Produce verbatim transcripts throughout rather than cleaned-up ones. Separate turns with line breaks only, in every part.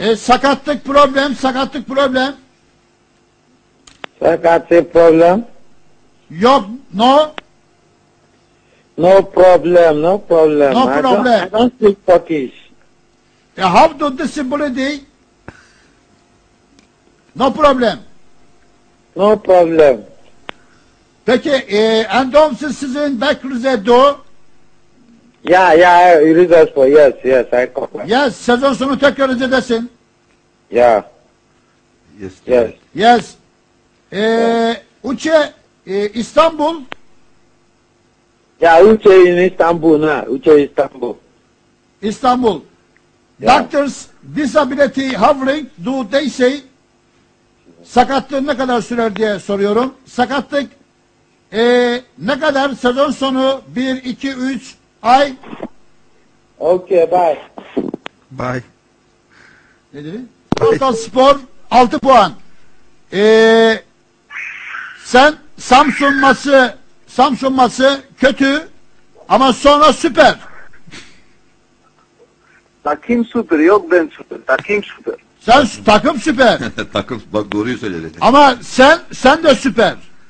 E, sakatlık problem, sakatlık problem.
Sakatlık problem.
Yok, no.
No problem, no problem.
No
I
problem.
Don't, I don't speak Turkish.
E, how to disability? No problem.
No problem.
Peki, e, endomsiz sizin Bekrize do.
Yeah, yeah, Rize Spor. Yes, yes, I comprehend.
Yes, sezon sonu tekrar Rize'desin.
Yeah,
Yes.
yes.
Yes. E, Uçe, e, İstanbul.
Yeah, Uche in Istanbul now. Uche Istanbul.
İstanbul.
Yeah.
Doctors disability hovering do they say? Sakatlığı ne kadar sürer diye soruyorum. Sakatlık e, ne kadar sezon sonu bir, iki, üç ay?
Okay, bye.
Bye.
Ne dedi? Kartal Spor altı puan. E, sen Samsun maçı Samsun maçı kötü ama sonra süper.
Takım süper, yok ben süper. Takım süper.
Sen takım süper.
Takım bak doğruyu söyledi.
Ama sen sen de süper.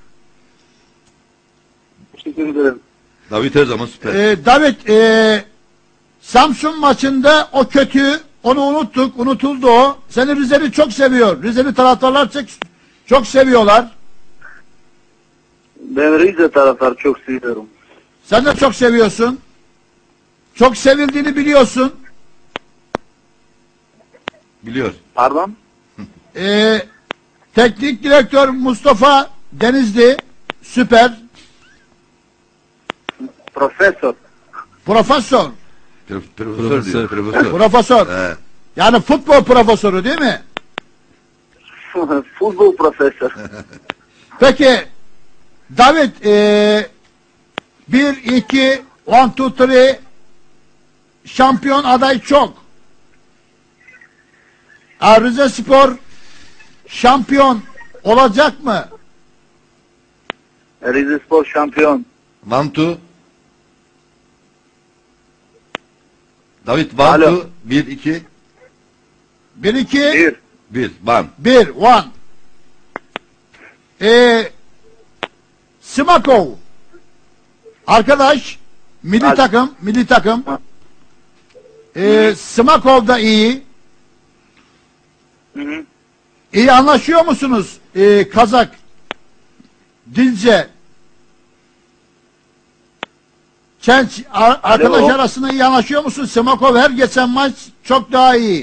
Teşekkür ederim.
David her zaman süper.
Ee, David e, Samsun maçında o kötü, onu unuttuk, unutuldu o. Seni Rizeli çok seviyor. Rizeli taraftarlar çok, çok seviyorlar.
Ben Rize taraftarı çok seviyorum.
Sen de çok seviyorsun. Çok sevildiğini biliyorsun.
Biliyor.
Pardon?
Ee, teknik direktör Mustafa Denizli süper.
Profesör.
Profesör.
Pro- Profesör diyor. Profesör.
Profesör.
He.
Yani futbol profesörü değil mi?
Futbol profesör.
Peki David e, bir, iki, one, two, three şampiyon aday çok. Rize Spor şampiyon olacak mı?
Rize Spor şampiyon.
One two. David one
Alo.
two. Bir iki.
Bir, iki,
Bir.
Bir. One.
bir, one. Ee, Smakov arkadaş milli
Alo.
takım, milli takım. Ee, Smakov da iyi.
Hı hı.
İyi anlaşıyor musunuz? Ee, Kazak Dilce Çenç ar- arkadaş
Alo.
arasında iyi anlaşıyor musun? Smakov her geçen maç çok daha iyi.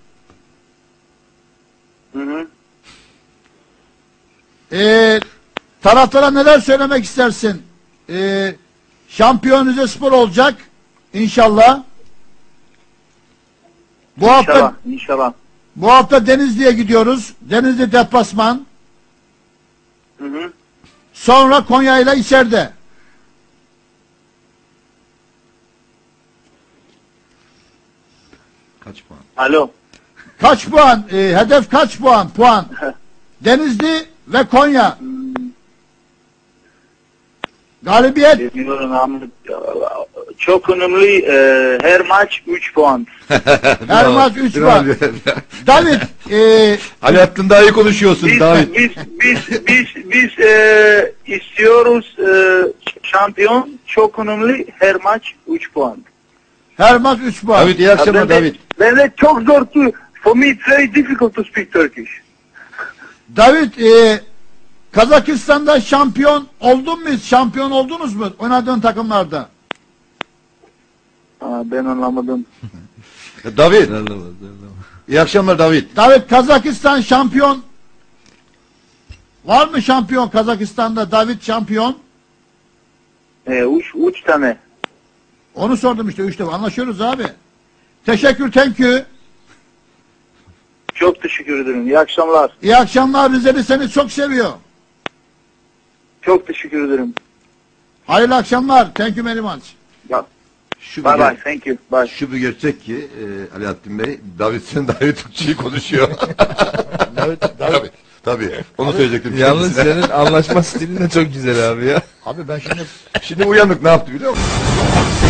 Hı hı.
Ee, taraftara neler söylemek istersin? Ee, şampiyon Rizespor olacak inşallah. Bu hafta
İnşallah. İnşallah.
bu hafta Denizli'ye gidiyoruz. Denizli deplasman.
Hı hı.
Sonra Konya ile içeride.
Kaç puan?
Alo.
Kaç puan? Ee, hedef kaç puan? Puan. Denizli ve Konya. Galibiyet.
Bilmiyorum ama çok önemli. E, her maç üç puan.
Her maç üç puan. David, e,
Alaaddin daha iyi konuşuyorsun
Biz,
David.
biz, biz, biz, biz e, istiyoruz e, şampiyon çok önemli. Her maç üç puan.
her maç üç puan.
David iyi akşamlar
Ben de-
David.
Ben de çok zor to, for me it's very difficult to speak Turkish.
David, e, Kazakistan'da şampiyon oldun mu? Şampiyon oldunuz mu? Oynadığın takımlarda.
Aa, ben anlamadım.
David. İyi akşamlar David.
David, Kazakistan şampiyon. Var mı şampiyon Kazakistan'da? David şampiyon.
E, üç, üç tane.
Onu sordum işte. Üçte anlaşıyoruz abi. Teşekkür, thank you.
Çok teşekkür ederim. İyi akşamlar.
İyi akşamlar. Rizeli seni çok seviyor.
Çok teşekkür ederim.
Hayırlı akşamlar. Thank you very much.
Bye
Şu bir,
bye.
ger-
Thank you. Bye.
şu bir gerçek ki e, Alaaddin Bey, David sen daha iyi Türkçeyi konuşuyor.
David,
Tabii. Tabii. Onu söyleyecektim.
Yalnız
kendisine.
senin anlaşma stilin de çok güzel abi ya.
Abi ben şimdi
Şimdi uyanık ne yaptı biliyor musun?